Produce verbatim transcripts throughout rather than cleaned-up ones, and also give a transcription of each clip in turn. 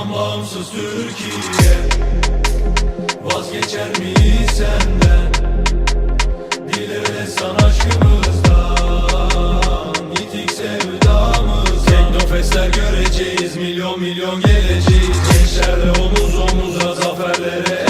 Vatan bağımsız Türkiye, vazgeçer miyiz senden? Dile destan aşkımızdan, yitik sevdamız. Teknofestler göreceğiz, milyon milyon geleceğiz. Gençlerle omuz omuza zaferlere.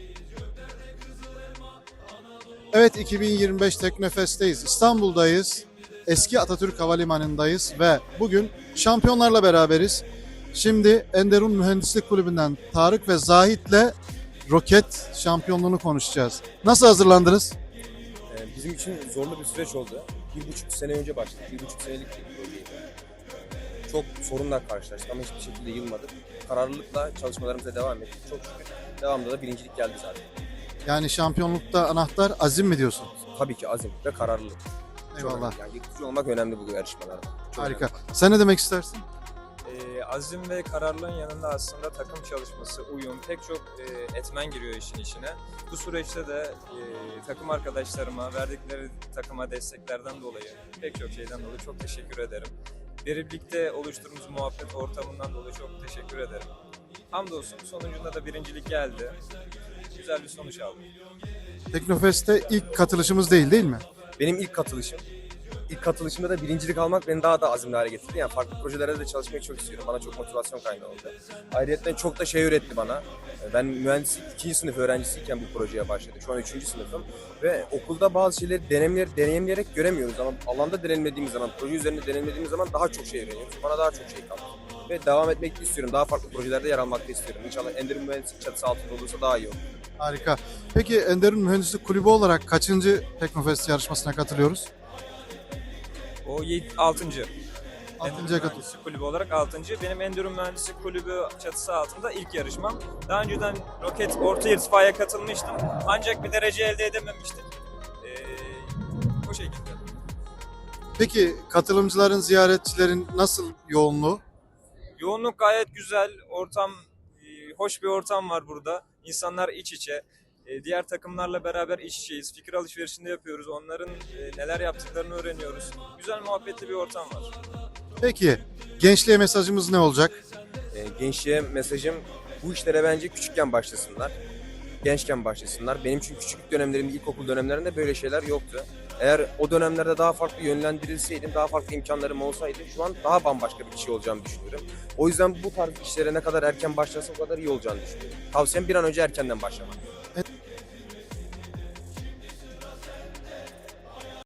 Evet, iki bin yirmi beş Teknofest'teyiz. İstanbul'dayız. Eski Atatürk Havalimanı'ndayız ve bugün şampiyonlarla beraberiz. Şimdi Enderun Mühendislik Kulübü'nden Tarık ve Zahit'le roket şampiyonluğunu konuşacağız. Nasıl hazırlandınız? Bizim için zorlu bir süreç oldu. Bir buçuk sene önce başladık. Bir buçuk senelik bir projeydi. Çok sorunlar karşılaştık ama hiçbir şekilde yılmadık. Kararlılıkla çalışmalarımıza devam ettik. Çok şükür devamında da birincilik geldi zaten. Yani şampiyonlukta anahtar azim mi diyorsun? Tabii ki azim ve kararlılık. Çok Eyvallah. önemli. Yani yıkıcı olmak önemli bu yarışmalarda. Çok Harika. önemli. Sen ne demek istersin? Ee, azim ve kararlılığın yanında aslında takım çalışması, uyum, pek çok e, etmen giriyor işin içine. Bu süreçte de e, takım arkadaşlarıma verdikleri takıma desteklerden dolayı, pek çok şeyden dolayı çok teşekkür ederim. Birlikte oluşturduğumuz muhabbet ortamından dolayı çok teşekkür ederim. Hamdolsun sonucunda da birincilik geldi. Güzel bir sonuç aldım. Teknofest'te ilk katılışımız değil değil mi? Benim ilk katılışım. İlk katılışımda da birincilik almak beni daha da azimli hale getirdi. Yani farklı projelerde de çalışmayı çok istiyorum. Bana çok motivasyon kaynağı oldu. Ayrıca çok da şey öğretti bana. Ben mühendislik ikinci sınıf öğrencisiyken bu projeye başladım. Şu an üçüncü sınıfım. Ve okulda bazı şeyleri deneyimler, deneyimleyerek göremiyoruz. Ama alanda deneyimlediğimiz zaman, proje üzerinde deneyimlediğimiz zaman daha çok şey öğreniyoruz. Bana daha çok şey kaldı. Ve devam etmek istiyorum. Daha farklı projelerde yer almak istiyorum. İnşallah Enderun Mühendislik çatısı altında olursa daha iyi olur. Harika. Peki Enderun Mühendislik Kulübü olarak kaçıncı Teknofest yarışmasına katılıyoruz? O altıncı. Altıncıya Endüstri katıl. Mühendislik Kulübü olarak altıncı. Benim Endüstri Mühendislik Kulübü çatısı altında ilk yarışmam. Daha önceden roket orta irtifaya katılmıştım. Ancak bir derece elde edememiştik. Ee, o şekilde. Peki katılımcıların, ziyaretçilerin nasıl yoğunluğu? Yoğunluk gayet güzel. Ortam, e, hoş bir ortam var burada. İnsanlar iç içe. E, diğer takımlarla beraber iç içeyiz. Fikir alışverişinde yapıyoruz. Onların e, neler yaptıklarını öğreniyoruz. Güzel, muhabbetli bir ortam var. Peki gençliğe mesajımız ne olacak? E, gençliğe mesajım bu işlere bence küçükken başlasınlar. Gençken başlasınlar. Benim çünkü küçüklük dönemlerimde, ilkokul dönemlerinde böyle şeyler yoktu. Eğer o dönemlerde daha farklı yönlendirilseydim, daha farklı imkanlarım olsaydı şu an daha bambaşka bir kişi olacağımı düşünüyorum. O yüzden bu tarz işlere ne kadar erken başlarsa o kadar iyi olacağını düşünüyorum. Tavsiyem bir an önce erkenden başlamak.